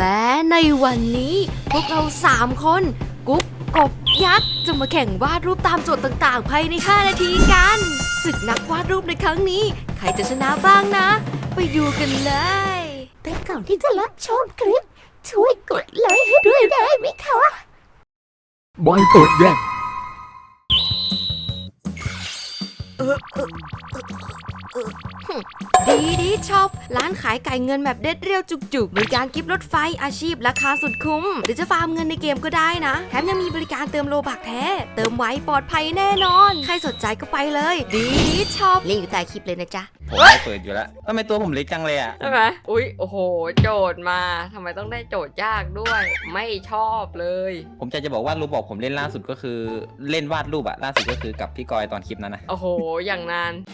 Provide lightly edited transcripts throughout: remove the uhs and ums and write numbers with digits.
และในวันนี้พวกเรา3คนกุ๊กกบยักษ์จะมาแข่งวาดรูปตามโจทย์ต่างๆภายใน5นาทีกันศึกนักวาดรูปในครั้งนี้ใครจะชนะบ้างนะไปดูกันเลยแต่ก่อนที่จะรับชมคลิปช่วยกดไลค์ให้ด้วยได้ไหมคะบอยกดแยกดีช็อปร้านขายไก่เงินแบบเด็ดเรียวจุกๆบริการกิฟต์รถไฟอาชีพราคาสุดคุ้มหรือจะฟาร์มเงินในเกมก็ได้นะแถมยังมีบริการเติมโลบักแท้เติมไวปลอดภัยแน่นอนใครสนใจก็ไปเลยดีช็อปลิงก์อยู่ใต้คลิปเลยนะจ๊ะผมไม่เปิดอยู่แล้วทำไมตัวผมเล็กจังเลยอ่ะใช่ไหมอุ๊ยโอ้โหโจทย์มาทำไมต้องได้โจทย์ยากด้วยไม่ชอบเลยผมจะบอกว่ารูปบอกผมเล่นล่าสุดก็คือเล่นวาดรูปอะล่าสุดก็คือกับพี่กอยตอนคลิปนั้นนะโอ้โหอย่างนาน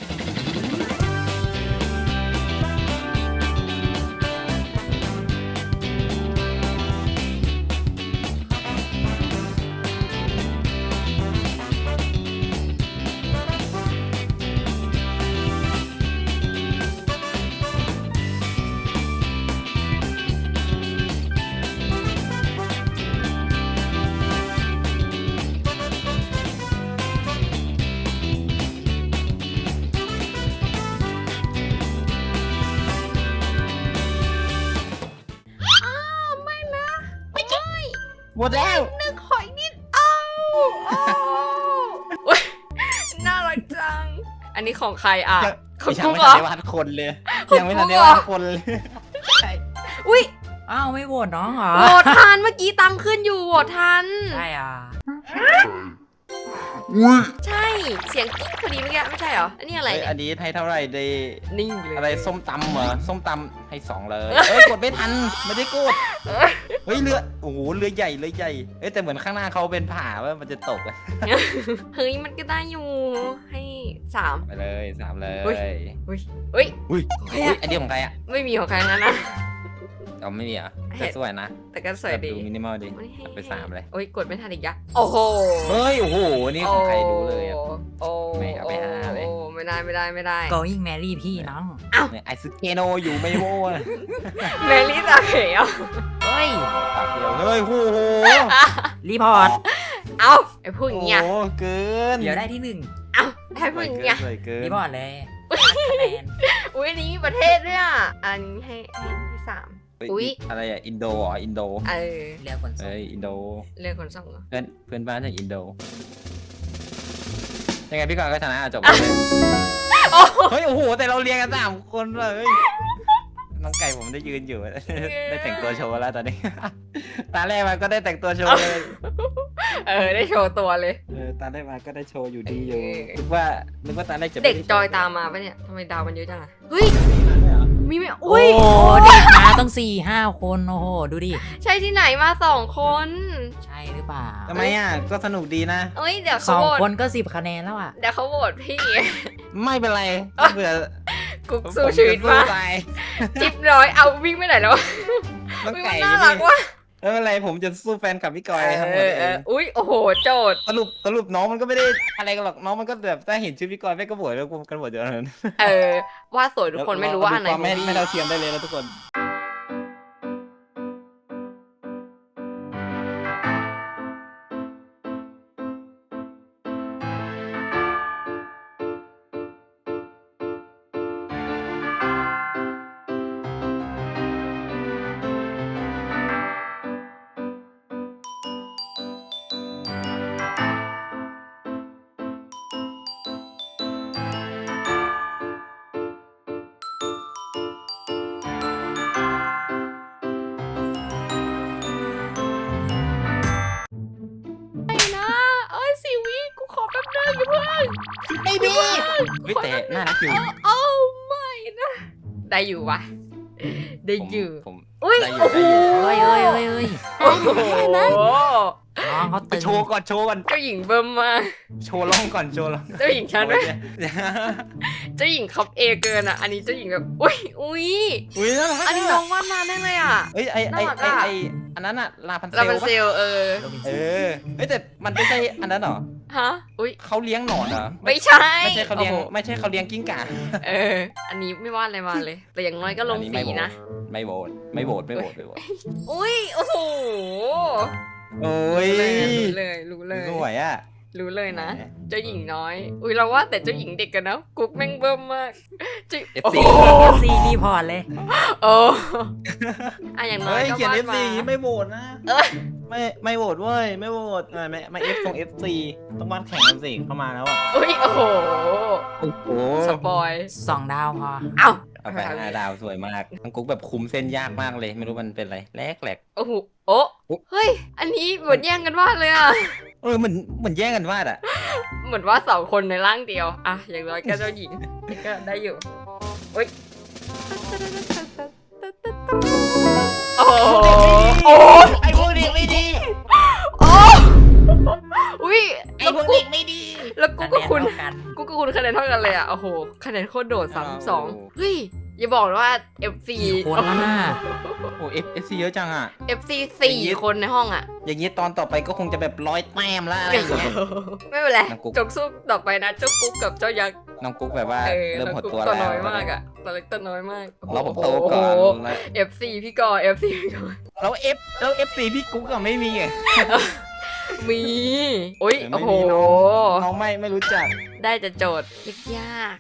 หมดแล้วนึกหอยนิดน่ารักจังอันนี้ของใครอ่ะของยังกุ๊กไม่เหรทันอได้วาดคนเลยของยังไม่ทันได้กุ๊กเหรอวาดคนเลยใช่อุ๊ยอ้าวไม่โหวตน้องเหรอโหวตทันเมื่อกี้ตังขึ้นอยู่โหวตทันใช่อ่ะใช่เสียงกิ๊กพอดีเมื่อกี้ไม่ใช่เหรออันนี้อะไรเอ้ยเนี่ยอันนี้ให้เท่าไหร่ดีนิ่งเลยอะไรส้มตำเหรอส้มตำให้2เลยกดไม่ทันไม่ได้กดเฮ้ยเรือโอ้โหเรือใหญ่แต่เหมือนข้างหน้าเขาเป็นผาว่ามันจะตกอะเฮ้ยมันก็ได้อยู่ให้3 ไปเลย3เลยอุ๊ยอุ้ยอันนี้ของใครอะไม่มีของใครนั้นนะเอาไม่มีอ่ะแต่สวยนะแต่ก็สวยดีดูมินิมอลดีไม่ให้ไป3เลยโอ้ยกดไม่ทันอีกยะโอ้โหเฮ้ยโอ้โหนี่ของใครดูเลยอ่ะโอ้ไม่เอาไปหาเลยโอ้ไม่ได้ going Mary พี่น้องเนี่ยไอซึเกโนอยู่ไม่โว้ยเมลี่ตาเขียวเฮ้ยปากเดียวเฮ้ยโอ้โหรีพอร์ตเอาไอ้พวกเนี้ยโอ้โหเกินเดี๋ยวได้ที่1 เอาไอ้พวกเนี้ยสวยเกินรีพอร์ตเลยคะแนนอุ้ยอันนี้มีประเทศด้วยอ่ะอันนี้ให้3อุ๊ยอะไรอ่ะอินโดเหรออินโดเรียกคนส่งเอ้ยอินโดเรื่องคนส่งเหรอเพื่อนบ้านจากอินโดยังไงพี่กอนก็ชนะจบเลยเฮ้ยโอ้โหแต่เราเรียงกัน3คนเลยน้องไก่ผมได้ยืนอยู่ ได้แต่งตัวโชว์แล้วตอนนี้ ตาแรกมาก็ได้แต่งตัวโชว์เลยได้โชว์ตัวเลยตาแรกมาก็ได้โชว์อยู่ดีอยู่นึกว่าตาแรกจะเด็กจอยตามมาปะเนี่ยทำไมดาวมันเยอะจังอะเฮ้ยมีไหมโอ้อุ้ยเด็กมาต้อง4-5 คนโอ้โหดูดิใช่ที่ไหนมา2 คนใช่หรือเปล่าทำไมอ่ะก็สนุกดีนะเอ้ยเดี๋ยวสเขาองโหวตคนก็10 คะแนนแล้วอ่ะเดี๋ยวเขาโหวตพี่ไม่เป็นไรเผื่อกุ๊กสู้ชีวิตมามา จิ๊บร้อยเอาวิ่งไปไหนแล้วน้องวิ่งไก่มันน่ารักว่ะไม่เป็นไรผมจะสู้แฟนกับพี่กอยทั้งหมดเองอุ้ยโอ้โหโจทย์สรุปน้องมันก็ไม่ได้อะไรกันหรอกน้องมันก็แบบถ้าเห็นชื่อพี่กอยแม่ก็โหวตแล้วกันโหวตเยอะนั้นว่าสวยทุกคนไม่รู้ว่าอันไหนความไม่เท่าเทียมได้เลยนะทุกคนนะเอ้ย4 วิกูขอแป๊บนึงอย่าเพิ่งไม่มีแต่น่ารักอยู่โอ้ไม่นะได้อยู่วะได้อยู่ผมอุ้ยได้อยู่โอ้โหเฮ้ยโอ้โหน้องน้องเขาตึงโชว์ก่อนเจ้าหญิงเบิ่มมากโชว์ล่องก่อนโชว์ล่องเจ้าหญิงฉันด้วยเจ้าหญิงคับเอเกินอ่ะอันนี้เจ้าหญิงแบบอุ้ยอุ้ยน่ารักอันนี้น้องวาดมาได้เลยอ่ะเอ้ยน่ารักอะอันนั้นอะลาพันเซเราลเป็นปะเซลล์โรบินเอสันอเอ้ยแต่มันไม่ใช่อันนั้นเหรอฮะอุ้ยเขาเลี้ยงหนอนเหรอไม่ใช่ไม่ใช่เขาเลี้ยงโอ้โหไม่ใช่เขาเลี้ยงกิ้งก่าอันนี้ไม่วาดอะไรมาเลย แต่อย่างน้อยก็ลงสีนะไม่โหวตไม่โหวตอุ้ยโอ้โหโอ้ยรู้เลยสวยอ่ะรู้เลยนะ เจ้าหญิงน้อย อุ้ยเราว่าแต่เจ้าหญิงเด็กกันนะกุ๊กแม่งเบิ่มมากเจ้า FC โอ้โหซีรีพอร์ตเลยโอ้อะอย่างน้อเฮ้ยยก็เขียนวาด FC มาไม่โหวตนะเอ้ยไม่โหวตเว้ยไม่โหวตไม่ F ส่ง FC ต้องวาดแข่งกันสิเข้ามาแล้วอ่ะอุ้ยโอ้โหโอ้โหสปอย 2 ดาวพอเอ้าเอาไป5 ดาวสวยมากน้องกุ๊กแบบคุมเส้นยากมากเลย ไม่รู้มันเป็นอะไรแหลกโอ้โหโอ้เฮ้ย อันนี้เหมือนแย่งกันวาดเลยอ่ะเหมือนแย่งกันวาดอ่ะเหมือนว่าสองคนในร่างเดียว อ่ะ อย่างน้อยก็เจ้าหญิงก็ได้อยู่อุ้ยโอ้โหโอ้ไอ้พวกเด็กไม่ดีโอ้อุ้ยไอ้พวกเด็กไม่ดีแล้วกูก็คุณคะแนนเท่ากันกูก็คุณคะแนนเท่ากันเลยอ่ะ โอ้โห คะแนนโคตรโดด32เฮ้ย อย่าบอกนะว่า FC 4 คนแล้วนะโอ้ FC เยอะจังอ่ะ FC 4 คนในห้องอ่ะอย่างนี้ตอนต่อไปก็คงจะแบบ100 แต้มแล้วอะไรอย่างเงี้ยไม่เป็นไรน้องกุ๊กจงสู้ต่อไปนะ เจ้ากุ๊กกับเจ้ายักษ์น้องกุ๊กแบบว่าเริ่มหดตัวตัวแล้วน้อยมากอ่ะตัวเล็กตัวน้อยมากเราผมโตก่อนโโหแล้ว FC พี่กอ FC พี่กอแล้ว FC พี่กุ๊กก็ไม่มีไงมีอุ้ยไม่โอ้มีโหน้องไม่รู้จักได้จะโจทย์ยาก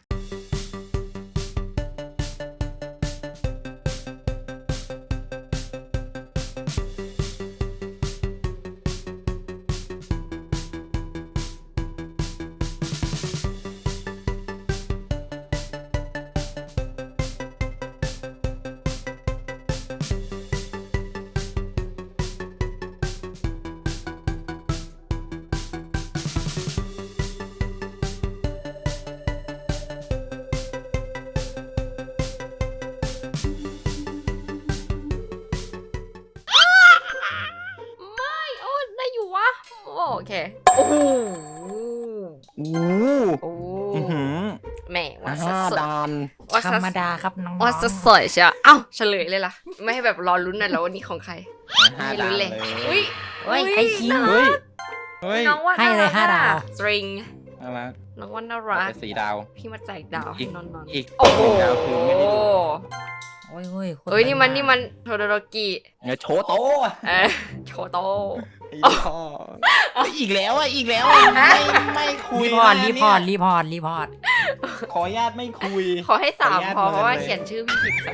ไม่โอ้ได้อยู่วะโอเคโอ้โหโอ้โอ้โหแหม่ว่าส 5 ดดานว่าธรรมดาครับน้องๆว่าสดใช่เอ้าเฉลยเลยล่ะ ไม่ให้แบบรอลุ้นนะแล้ววันนี้ของใคร 5 ไม่ดารู้นเลเลย ยอุ้ยเฮ้ยไอคิวเฮ้ยเฮ้ยน้องว่าให้เลยน่รัก 5 ดาวสตริงน่ารักน้องว่าน่ารักเป็น4 ดาวพี่มาแจกดาวให้นอนอีกๆโอ้โหดาวคือไม่ได้ดูโอ้ยโคตรเอ้ยนี่มันตึงนี่มันโทโดโรกิเนี่ยโชว์โตะโชโตไอ้พ่ออีกแล้วอีกแล้วไม่คุยรีพอร์ตนะรีพอร์ตรีพอร์ตรีพอร์ตขออนุญาตไม่คุยขอให้สามขออนุญาตพอเพราะว่าเลยเขียนชื่อพี่ผิดค่ะ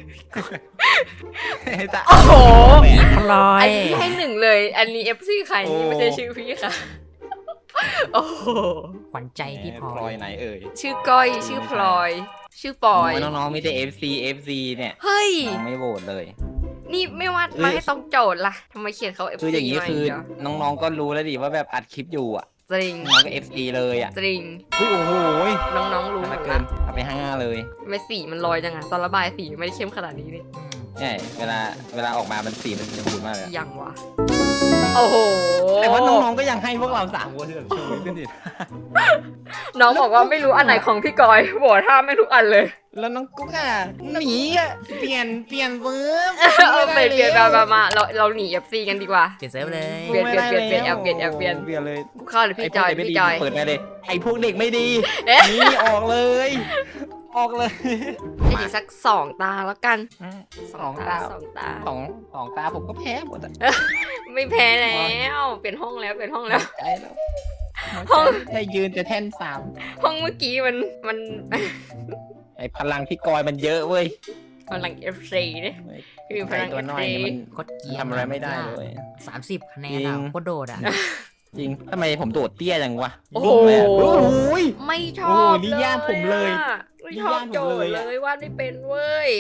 จะโอ้โหพลออัยนนี้ให้1เลย อันนี้ FC ใครนี่ไม่ใช่ชื่อพี่ค่ะ โอ้โหขวัญใจพี่พลพลออย ยไหนเอ่ยชื่อก้อยชื่อพลอย ชื่อปอยน้องๆมีแต่ FC เนี่ยเฮ้ยน้องไม่โหวตเลยนี่ไม่วาดมาให้ต้องโจทย์ล่ะทำไมเขียนเขา FC คืออย่างนี้มาคือเดียวน้องๆก็รู้แล้วดิว่าแบบอัดคลิปอยู่อ่ะจริงน้องก็ FC เลยอ่ะจริงโอ้โหน้องๆรู้หมน่าดเกิละนเอาไป5เลยไม่สีมันลอยจังอะตอนระบายสีไม่ได้เข้มขนาดนี้นี่ใช่เวลาออกมามันสีมันจะพูดมากเลยยังวะโอ้โหแต่ว่าน้องๆก็ยังให้พวกเรา3 คนที่แบบชูขึ้นดิน้องบอกว่าไม่รู้อันไหนของพี่กอยบอกท่าไม่ทุกอันเลยแล้วน้องกุ๊กอ่ะหนีอ่ะเปลี่ยนเฟิร์มเอาไปเปลี่ยนมาเราหนี FC กันดีกว่าเปลี่ยนเซิร์ฟเลยเปลี่ยนแอบเปลี่ยนเปลี่ยนเลยกูเข้าเลยพี่จอยไพวกเด็กไม่พี่ดีจอยเปิดไปเลยไอ้พวกเด็กไม่ดีเอ๊ะนี่ออกเลย ออกเลยให้ดีสัก2 ตาแล้วกันสองตาสองตาสองตาผมก็แพ้หมดอ่ะไม่แพ้แล้วเปลี่ยนห้องแล้วใจแล้วห้องได้ยืนแต่แท่นห้องเมื่อกี้มัน 3ไอ้พลังพี่กอยมันเยอะเว้ยพลัง FC เนี่ยคือพไอ้ลังตัวน้อย FC นี่มันโคตรเกรียนทำอะไรไม่ได้เลย 30 คะแนนจริอ่ะงโคตรโดดอ่ะจริงทำไมผมโดดเตี้ยจังวะโอ้โหเลยอะโอ้โหยไม่ชโอ้อบนี่ญาติผมเลยอะไม่ชอบโจทย์เลยวาดไม่เป็นเว้ย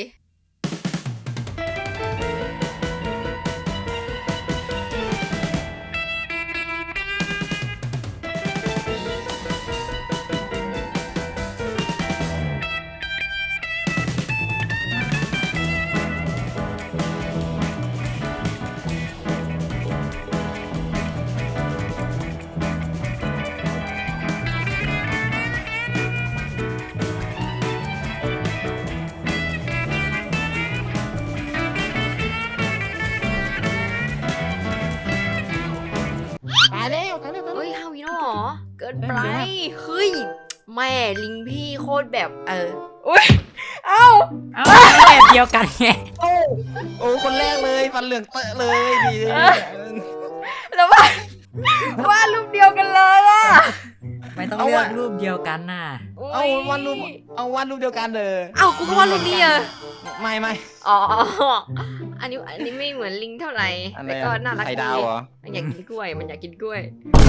นไปเฮ้ยแม่ลิงพี่โคตรแบบอุ้ยเอ้าเอาแบบเดียวกันไงโอ้คนแรกเลยฟันเหลืองเตอะเลยดีแล้วว่ารูปเดียวกันเลยอะไม่ต้องเลือกรูปเดียวกันน่ะเอาวาดรูปเดียวกันเลยเอ้ากูก็ว่ารูปนี้อะไม่อ๋ออันนี้ไม่เหมือนลิงเท่าไหร่อะไรแต่ก็น่ารักไข่ดีดาวเหรอมันอยากกินกล้วยมันอยากกินกล้วย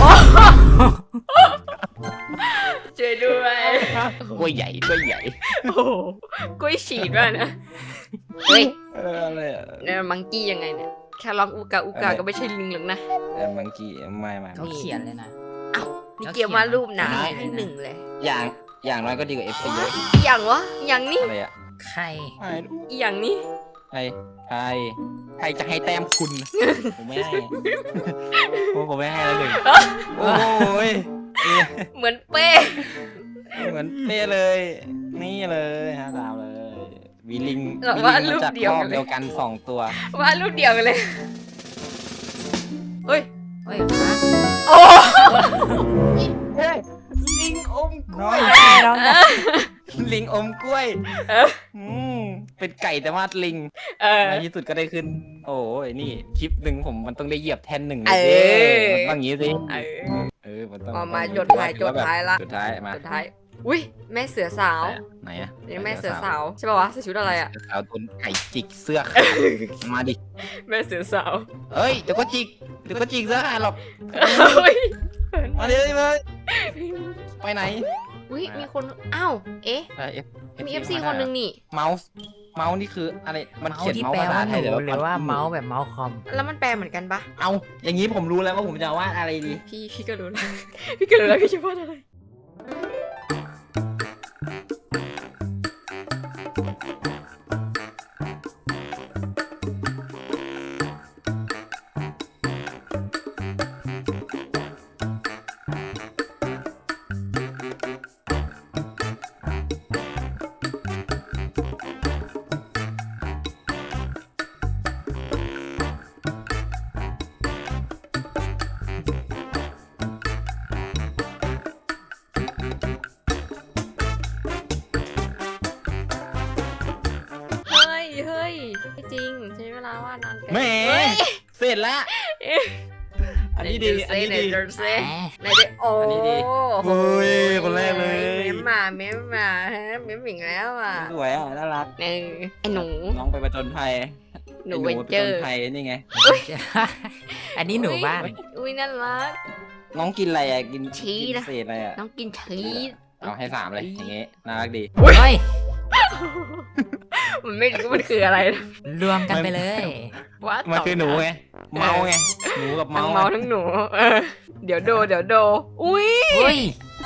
ช่วยด้วยกล้วยใหญ่กล้วยใหญ่โอ้โหกล้วยฉีดว่ะนะเฮ้ยอะไรอะเนี่ยมังกี้ยังไงเนี่ยแค่ร้องอูกาก็ไม่ใช่ลิงหรอกนะมังกี้ไม่เขาเขียนเลยนะนี่เกี่ยวมารูปหนาให้หนึ่งเลยอย่างน้อยก็ดีกว่า FC เยอะอย่างวะอย่างนี้อะไรอะใครอย่างนี้ใครจะให้แต้มคุณ ผมไม่ให้ผมไม่ให้แล้วหนึ่งโอ้ยเหมือนเป้เหมือนเป้เลย นี่เลยฮะดาวเลยวีลิงว่ารูปจากเดียวครอบกันเลเดียยวกัน2 ตัวว่ารูปเดียวกันเลยเฮ้ยเฮ้ยฮะโอ้ลิงอมกล้น้วอยยน้องลิงอมกล้วยเออเป็นไก่แต่ว่าลิง ในที่สุดก็ได้ขึ้น โอ้ยนี่คลิปหนึ่งผมมันต้องได้เหยียบแทน1เลยสิมันต้องอย่างนี้สิมันต้องมาจดท้ายถือว่แบบละสุดท้ายมาสุดท้ายอุ้ยแม่เสือสาวไหนอะนี่แม่เสือสาวใช่ป่าวะใส่ชุดอะไรอะเสือสาวโดนไก่จิกเสื้อขาดมาดิแม่เสือสาวเฮ้ยเดี๋ยวก็จิกเสื้อขาดหรอกเฮ้ยมาดิมาไปไหนอุ้ยมีคนอ้าวเอ๊ะมี FC คนหนึ่งนี่เมาส์นี่คืออะไรมันเมาเขียนที่เมาส์แปลภาษาว่าไทหยนูหรือว่าเมาส์แบบเมาส์คอมแล้วมันแปลเหมือนกันปะเอาอย่างนี้ผมรู้แล้วว่าผมจะวาดอะไรดีพี่ก็รู้แล้ว พี่ก็รู้แล้วพี่จะพูดอะไร เฮ้ยไม่จริงใช้เวลาว่านานเกินแหมเฮ้ยเสร็จแล้วอันนี้ดีอันนี้ดีไหนดูซิแหมไหนดูโอ้อันนี้ดีโหเฮ้ยคนแรกเลยเม้มมาเม้มมาฮะเม้มอีกแล้วอ่ะสวยอ่ะน่ารักไอ้หนูน้องไปประจนภัยหนูไอ้เวไปนเจจอน ร์ภัยนี่ไงอันนี้หนูบ้านอุ้ยน่ารักน้องกินอะไรอ่ะกินชีสกินนะเศษอะไรอ่ะน้องกินชีสเอาให้3เลยอย่างงี้น่ารักดีเฮ้ยมันไม่รู้มันคืออะไรนะรวมกันไปเลยว่ามันคือหนูไงเมาไงหนูกับทั้งเมาเมาทั้งหนูเดี๋ยวโดอุ้ยเฮ้ย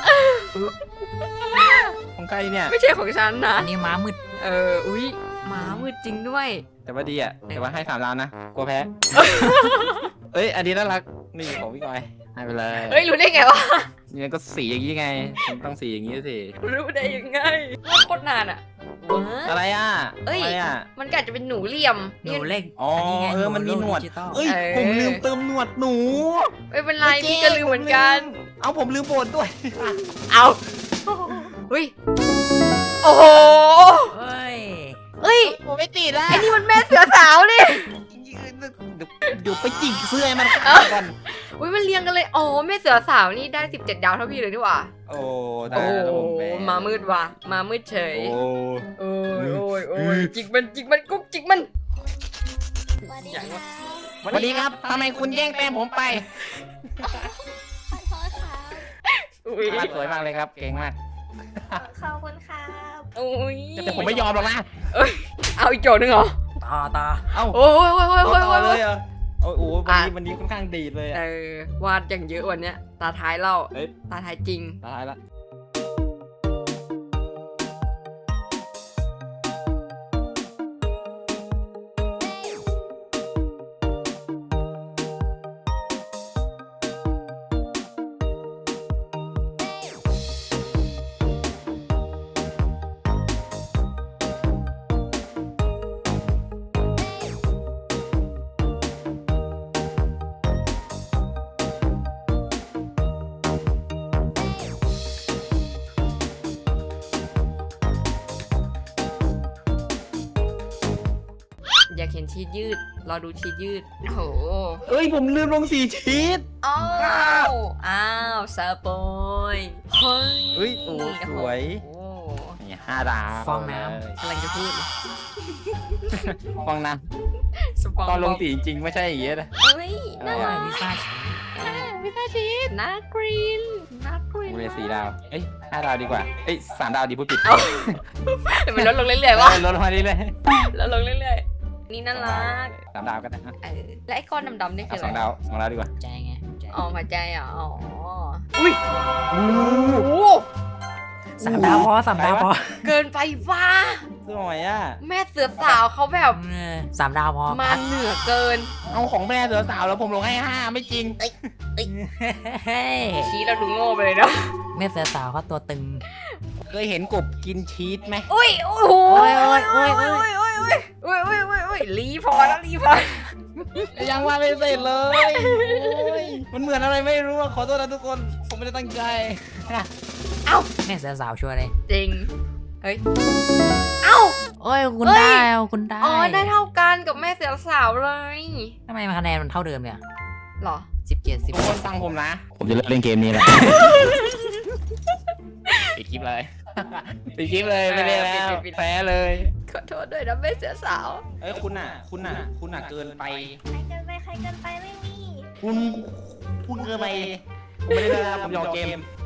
ของใครเนี่ยไม่ใช่ของฉันนะอันนี้ม้ามืดอุ้ยหมามืดจริงด้วยแต่ว่าดีอ่ะแต่ว่าให้3ดาวนะกลัวแพ้เอ้ยอันนี้น่ารักนี่ของพี่กอยให้ไปเลยเฮ้ยรู้ได้ไงวะนี่ก็สีอย่างนี้ไงมันต้องสีอย่างนี้สิรู้ได้ยังไงว่าโคตรนานอ่ะว้าอะไรอ่ะเอ้ยอะไรอ่ะมันก็อาจจะเป็นหนูเหลี่ยมหนูเล็กอ๋อไงมันมีหนวดดิจิตอลเอ้ยผมลืมเติมหนวดหนูไม่เป็นไรพี่ก็ลืมเหมือนกันเอาผมลืมโบนด้วยเอาเฮ้ยโอ้โหเฮ้ยเอ้ยผมไม่ติดละไอ้นี่มันแม่เสือสาวนี่เดี๋ยวไปจิกเสื้อให้มันก่อนอุ้ยมันเรียงกันเลยอ๋อแม่เสือสาวนี่ได้17 ดาวเท่าพี่เลยนี่หว่าโอ้ได้โอ้แล้วผมแมามืดว่ะมามืดเฉยโอ้โอ้ยจิกมันกุ๊กจิกมันอย่างวะสวัสดีครับทำไมคุณแย่งแป้งผมไปขอโทษครับอุ้ยวาดสวยมากเลยครับเก่งมากขอบคุณครับอุ้ยแต่ผมไม่ยอมหรอกนะเอาอีกโจทย์หนึงเหรอต่อเอ้าโอ้ยต่อเลยเหรอโอ้โหวันนี้ค่อนข้างดีดเลยอะวาดอย่างเยอะวันเนี้ยตาท้ายเล่าเอ้ยตาท้ายจริงตายละห็นชีสยืดรอดูชีสยืดโอ้โหเอ้ยผมลืมลงสีชีสอ้าวสปอยเฮ้ยเฮ้ยโอ้สวยโอ้นี่5 ดาวฟองน้กำลังจะพูดเลยฟองน้สปอยำตอนลงสีจริงๆไม่ใช่อย่างเงี้ยนะเฮ้ยำน่าอร่รัอยกพิซซ่าชีสน่ากรีนน่ากรีนกูเลย4 ดาวเอ้ย5 ดาวดีกว่าเอ้ย3 ดาวดีพูดผิดแต่มันลดลงเรื่อยๆวะลดลงมาดิเลยลดลงเรื่อยๆนี่น่ารัก 3 ดาวก็ได้และไอ้ก้อนดำๆนี่เอาคืออะไร 2 ดาว2 ดาวดีกว่าใจไงใจอ๋อหัวใจอ่ะอ๋ออุ้ยโอ้โห 3 ดาวพอ3 ดาวพอเกินไปว่าสวยอ่ะแม่เสือสาวเขาแบบ 3 ดาวพอมาเหนือเกินเอาของแม่เสือสาวแล้วผมลงให้5ไม่จริงเฮ้ยชี้เราดูโง่ไปเลยเนาะแม่เสือสาวเขาตัวตึงเคยเห็นกบกินชีสไหมอุ้ยโอ้โหโอ้ยโอ้ยโอ้ยโอ้ยโอ้ยรีพอแล้วรีพอยังว่าไม่เสร็จเลยโอ้ยมันเหมือนอะไรไม่รู้อะขอโทษนะทุกคนผมไม่ได้ตั้งใจแม่เสือสาวชัวร์เลยจริงเฮ้ยเอ้าโอ้ยคุณเฮ้ยได้คุณได้อ๋อได้เท่ากันกับแม่เสือสาวเลยทำไมคะแนนมันเท่าเดิมเนี่ยหรอ 17 ทุกคนฟังผมนะ ผมจะเลิกเล่นเกมนี้แหละปิดคลิปเลยปิดคลิปเลยไม่เล่นแล้วแพ้เลยขอโทษด้วยนะแม่เสือสาวเอ้ยคุณอ่ะเกินไปใครเกินไปไม่มีคุณเกินไปผมไม่ได้เล่นแล้วผมยอมเกม